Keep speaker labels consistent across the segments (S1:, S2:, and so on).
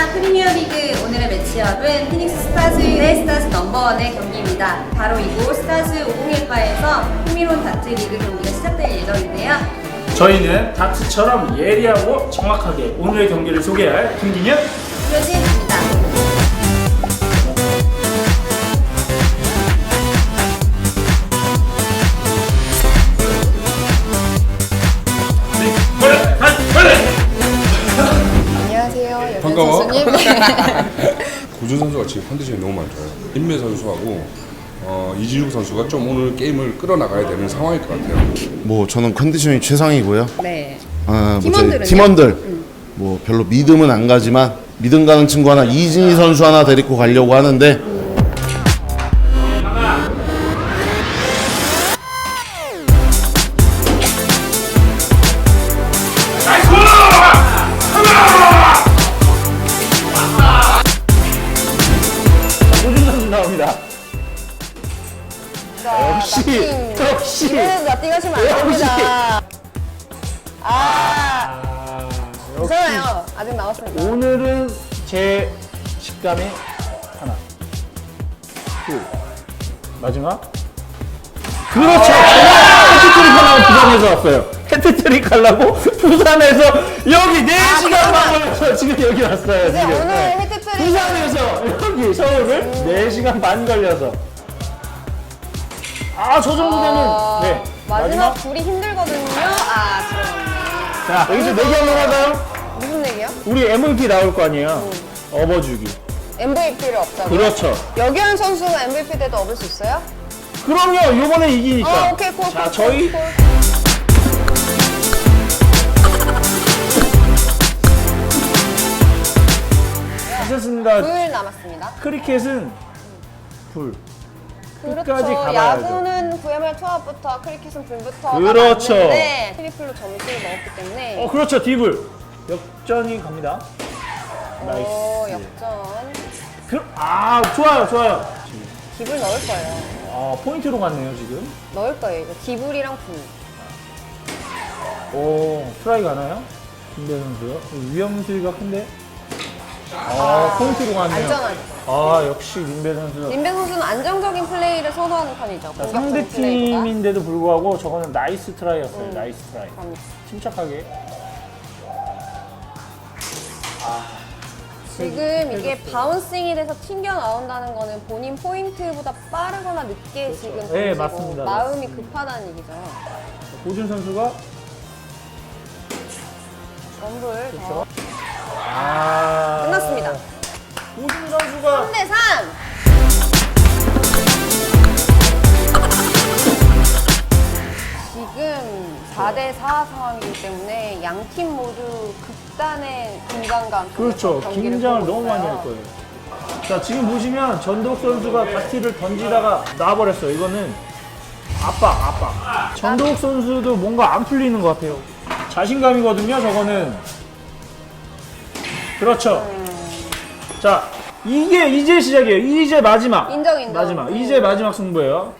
S1: 안녕하십니까. 프리미어리그 오늘의 매치업은 피닉스 스타즈 대 스타즈 넘버원의 경기입니다. 바로 이곳 스타즈 501바에서 흥미로운 다트 리그 경기가 시작될 예정인데요.
S2: 저희는 다트처럼 예리하고 정확하게 오늘의 경기를 소개할 김기현,
S1: 조진입니다.
S3: 안녕하세요.
S4: 반가워.
S3: 선수님.
S4: 고준 선수가 지금 컨디션이 너무 안 좋아요. 임매 선수하고 이진욱 선수가 좀 오늘 게임을 끌어나가야 되는 상황일 것 같아요.
S5: 뭐 저는 컨디션이 최상이고요.
S1: 네.
S5: 뭐 저희
S1: 팀원들은요?
S5: 팀원들 뭐 별로 믿음은 안 가지만 믿음 가는 친구 하나 이진희 선수 하나 데리고 가려고 하는데
S2: 고준 선수 나옵니다. 역시.
S3: 이거는 나띵 하시면 안 됩니다. 괜찮아요. 아직 남았습니다.
S2: 오늘은 제 식감이 하나, 둘, 마지막. 그렇죠. 해트트릭 하려고 부산에서 왔어요. 해트트릭 하려고 부산에서 여기 4시간만 걸려서 지금 여기 왔어요.
S3: 이제
S2: 지금.
S3: 오늘
S2: 네.
S3: 헤드트릭
S2: 부산에서 여기 서울을 4시간 반 걸려서. 저 정도 되면 네.
S3: 마지막 둘이 힘들거든요. 들어갔네.
S2: 자, 여기서 내기 한번 할까요?
S3: 무슨 얘기요?
S2: 우리 MVP 나올 거 아니에요? 업어주기.
S3: MVP를 없다고요?
S2: 그렇죠.
S3: 여기현 선수가 MVP 때도 얻을 수 있어요?
S2: 그럼요. 요번에 이기니까.
S3: 오케이, 콜.
S2: 자,
S3: 콜,
S2: 저희
S3: 콜.
S2: 하셨습니다.
S3: 불 남았습니다.
S2: 크리켓은 불. 끝까지
S3: 그렇죠.
S2: 가봐야죠.
S3: 야구는 VML 투합부터 크리켓은 불부터
S2: 그렇죠.
S3: 맞는데 트리플로 점수를 넣었기 때문에
S2: 그렇죠. 디블. 역전이 갑니다. 나이스.
S3: 역전.
S2: 좋아요. 좋아요.
S3: 딥을 넣을 거예요.
S2: 포인트로 갔네요, 지금.
S3: 넣을 거예요. 이거 딥을이랑 불.
S2: 트라이 가나요? 김대 선수요. 위험수위가 큰데. 포인트로 갔네요.
S3: 안전하죠.
S2: 역시 민배 선수.
S3: 林배 선수는 안정적인 플레이를 선호하는 편이죠.
S2: 자,
S3: 공격적인
S2: 상대
S3: 플레이보다.
S2: 팀인데도 불구하고 저거는 나이스 트라이였어요. 나이스 트라이.
S3: 그럼요.
S2: 침착하게.
S3: 지금 이게 바운싱이 돼서 튕겨 나온다는 거는 본인 포인트보다 빠르거나 늦게 지금 던지고
S2: 네, 맞습니다.
S3: 마음이 급하다는 얘기죠.
S2: 고준 선수가
S3: 럼블
S2: 그렇죠.
S3: 더 끝났습니다.
S2: 고준 선수가
S3: 3대3. 지금 4대4 상황이기 때문에 양 팀 모두 극단의 긴장감 속에서
S2: 그렇죠.
S3: 경기를
S2: 긴장을
S3: 보고
S2: 너무 많이
S3: 있어요.
S2: 할 거예요. 자, 지금 보시면 전덕 선수가 다티를 던지다가 놔버렸어요. 이거는 압박. 전덕 선수도 뭔가 안 풀리는 것 같아요. 자신감이거든요, 저거는. 그렇죠. 자, 이게 이제 시작이에요. 이제 마지막.
S3: 인정.
S2: 마지막. 이제 마지막 승부예요.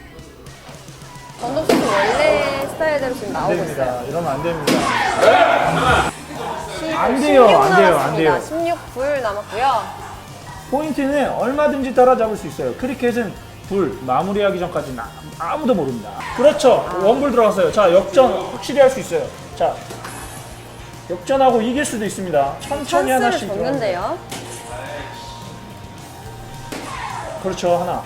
S3: 전동 선수 원래 스타일대로 지금
S2: 안
S3: 나오고
S2: 됩니다.
S3: 있어요.
S2: 이러면 안 됩니다. 안 돼요,
S3: 16
S2: 안 돼요, 안
S3: 남았습니다.
S2: 돼요.
S3: 16불 남았고요.
S2: 포인트는 얼마든지 따라잡을 수 있어요. 크리켓은 불 마무리하기 전까지는 아무도 모릅니다. 그렇죠. 원불 들어갔어요. 자, 역전 확실히 할 수 있어요. 자, 역전하고 이길 수도 있습니다. 천천히
S3: 찬스를
S2: 하나씩
S3: 줬는데요.
S2: 그렇죠. 하나.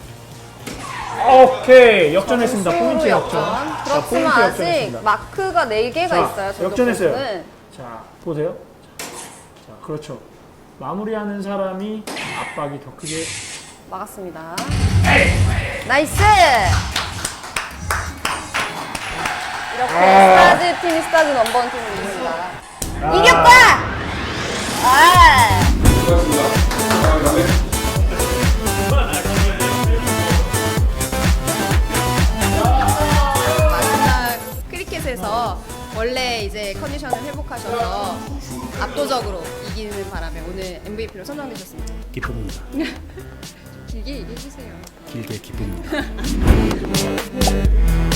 S2: 오케이. 역전했습니다.
S3: 점수로
S2: 포인트 역전.
S3: 그렇지만
S2: 포인트
S3: 아직
S2: 역전했습니다.
S3: 마크가 4개가
S2: 자,
S3: 있어요. 전동
S2: 역전했어요.
S3: 선수는.
S2: 자, 보세요. 자, 그렇죠. 마무리하는 사람이 압박이 더 크게.
S3: 막았습니다. 나이스! 이렇게 스타즈 팀이 스타즈 넘버원 팀을 이깁니다. 이겼다!
S1: 마지막 크리켓에서 원래 이제 컨디션을 회복하셔서 압도적으로 이기는 바람에 오늘 MVP로 선정되셨습니다.
S2: 기쁩니다.
S1: 길게 얘기해주세요.
S2: 길게 기쁩니다.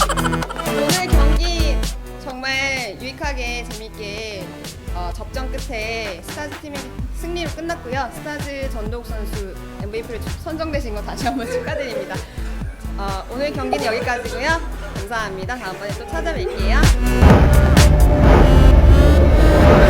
S1: 오늘 경기 정말 유익하게 재밌게 접전 끝에 전체 스타즈 팀이 승리로 끝났고요. 스타즈 전동욱 선수 MVP로 선정되신 거 다시 한번 축하드립니다. 오늘 경기는 여기까지고요. 감사합니다. 다음번에 또 찾아뵐게요.